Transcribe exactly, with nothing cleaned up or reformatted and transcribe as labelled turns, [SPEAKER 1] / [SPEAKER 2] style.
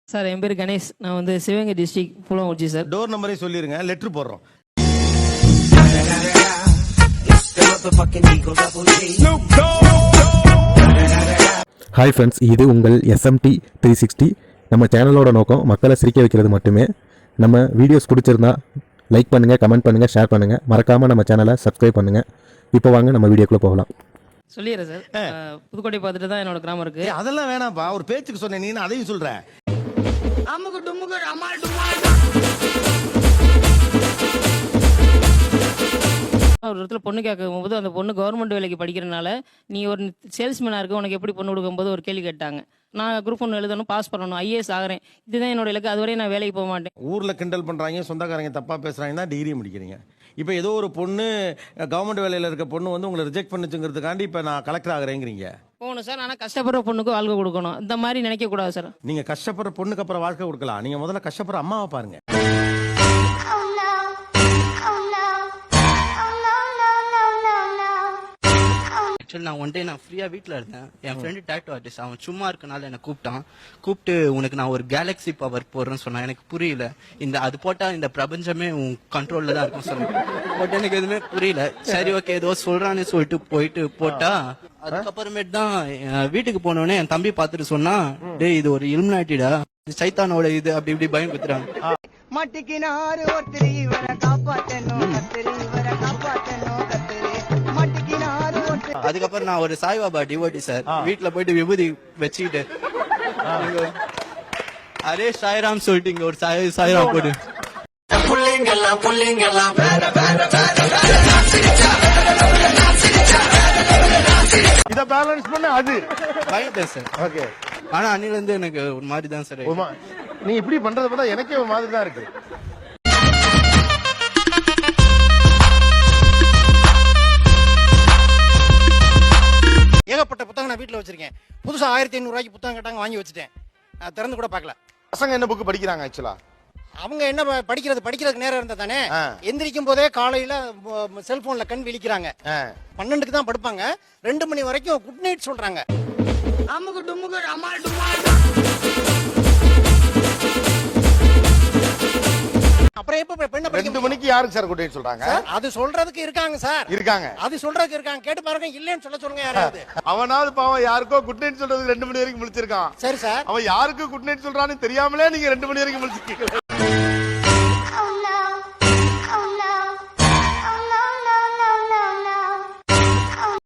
[SPEAKER 1] Sir என் பேர் கணேஷ். நான் வந்து Sivaganga district Pulankurichi sir.
[SPEAKER 2] Door நம்பரே சொல்லிருங்க, லெட்டர் போடுறோம்.
[SPEAKER 3] ஹாய் ஃப்ரெண்ட்ஸ், இது உங்கள் எஸ்எம்டி த்ரீ சிக்ஸ்டி. நம்ம சேனலோட நோக்கம் மக்களை சிரிக்க வைக்கிறது மட்டுமே. நம்ம வீடியோஸ் பிடிச்சிருந்தா லைக் பண்ணுங்கள், கமெண்ட் பண்ணுங்கள், ஷேர் பண்ணுங்கள். மறக்காமல் நம்ம சேனலை சப்ஸ்கிரைப் பண்ணுங்கள். இப்போ வாங்க நம்ம வீடியோக்குள்ளே போகலாம்.
[SPEAKER 1] சொல்லிடுறேன் சார். புதுக்கோட்டை பார்த்துட்டு தான் என்னோட கிராமம் இருக்கு.
[SPEAKER 2] அதெல்லாம் வேணாம்ப்பா, ஒரு பேச்சுக்கு சொன்னேன், நீ அதையும் சொல்ற.
[SPEAKER 1] ஒரு இடத்துல பொண்ணு கேட்கும் போது அந்த பொண்ணு கவர்மெண்ட் வேலைக்கு படிக்கிறனால நீ ஒரு சேல்ஸ்மேனாக இருக்க, உனக்கு எப்படி பொண்ணு கொடுக்கும்போது ஒரு கேள்வி கேட்டாங்க. நான் குரூப் ஒன்று எழுதணும், பாஸ் பண்ணணும், ஐஏஎஸ் ஆகிறேன், இதுதான் என்னோட இலக்கு. அதுவரை நான் வேலைக்கு போக மாட்டேன்.
[SPEAKER 2] ஊரில் கிண்டல் பண்ணுறாங்க, சொந்தக்காரங்க தப்பாக பேசுகிறாங்க தான் டிகிரி முடிக்கிறீங்க. இப்போ ஏதோ ஒரு பொண்ணு கவர்மெண்ட் வேலையில் இருக்க பொண்ணு வந்து உங்களை ரிஜெக்ட் பண்ணுச்சுங்கிறதுக்காண்டி இப்போ நான் கலெக்டர் ஆகிறேங்கிறீங்க.
[SPEAKER 1] போகணும் சார், ஆனால் கஷ்டப்படுற பொண்ணுக்கு வாழ்க்கை கொடுக்கணும். இந்த மாதிரி நினைக்கக்கூடாது சார்.
[SPEAKER 2] நீங்கள் கஷ்டப்படுற பொண்ணுக்கு அப்புறம் வாழ்க்கை கொடுக்கலாம். நீங்கள் முதல்ல கஷ்டப்படுற அம்மாவை பாருங்க.
[SPEAKER 4] ஆக்சுவலி நான் ஒன் டே நான் ஃப்ரீயாக வீட்டில் இருந்தேன். என் ஃப்ரெண்டு டேட்டோ ஆர்டிஸ்ட், அவன் சும்மா இருக்கனால என்னை கூப்பிட்டான். கூப்பிட்டு உனக்கு நான் ஒரு கேலக்ஸி பவர் போடுறேன்னு சொன்னான். எனக்கு புரியல. இந்த அது போட்டால் இந்த பிரபஞ்சமே உன் கண்ட்ரோலில் தான் இருக்கும் சொன்னேன். பட் எனக்கு எதுவுமே புரியல. சரி ஓகே ஏதோ சொல்கிறான்னு சொல்லிட்டு போயிட்டு போட்டா, அதுக்கப்புறமேட்டு தான் வீட்டுக்கு போனோடனே என் தம்பி பார்த்துட்டு சொன்னா, டே இது ஒரு இலுமினாட்டிடா, சைத்தானோட இது அப்படி இப்படி பயம் குத்துறாங்க.
[SPEAKER 5] மட்டிக்கினாரு ஒருத்தரி இவரை காப்பாத்தணும், கத்திரி இவரை காப்பாத்தணும், கத்திரி மட்டிக்கினாரு.
[SPEAKER 4] அதுக்கப்புறம் நான் ஒரு சாய்பாபா டிவோட்டி சார். வீட்டுல போயிட்டு விபூதி வச்சுக்கிட்டு அரே சாய்ராம் சொல்லிட்டு இங்க ஒரு சாய் சாய்ராம் போடு.
[SPEAKER 2] இத பேலன்ஸ் பண்ண அது
[SPEAKER 4] பயந்தேன் சார்.
[SPEAKER 2] ஓகே.
[SPEAKER 4] ஆனா அன்னில இருந்து எனக்கு ஒரு மாதிரி தான் சார்.
[SPEAKER 2] நீ இப்படி பண்றத பார்த்தா எனக்கே ஒரு மாதிரி தான் இருக்கு.
[SPEAKER 6] ஏகப்பட்ட புத்தகம் நான் வீட்டில் வச்சிருக்கேன். புதுசாக ஆயிரத்தி ஐநூறு ரூபாய்க்கு புத்தகம் கேட்டாங்க, வாங்கி வச்சுட்டேன். நான் திறந்து கூட பார்க்கல.
[SPEAKER 2] பசங்க என்ன புக்கு படிக்கிறாங்க? ஆக்சுவலா
[SPEAKER 6] அவங்க என்ன படிக்கிறது, படிக்கிறதுக்கு நேரம் இருந்தா தானே. எந்திரிக்கும் போதே காலையில செல்போன்ல கண் விழிக்கிறாங்க. பன்னெண்டுக்கு தான் படுப்பாங்க, ரெண்டு மணி வரைக்கும் குட் நைட் சொல்றாங்க. அப்புறம் எப்ப பெண்ணை
[SPEAKER 2] ரெண்டு மணிக்கு யாருக்கு சார் குட் நைட் சொல்றாங்க?
[SPEAKER 6] அது சொல்றதுக்கு இருக்காங்க சார், இருக்காங்க. அது சொல்றதுக்கு இருக்காங்க, கேட்டு பாருங்க. இல்லன்னு சொல்ல சொல்லுங்க யாராவது.
[SPEAKER 2] அவனாவது பாவம் யாருக்கோ குட் நைட் சொல்றதுக்கு ரெண்டு மணி வரைக்கும் முழிச்சிருக்கான்.
[SPEAKER 6] சரி சார்,
[SPEAKER 2] அவன் யாருக்கு குட் நைட் சொல்றான்னு தெரியாமலே நீங்க ரெண்டு மணி வரைக்கும் முழிச்சிருக்கீங்க.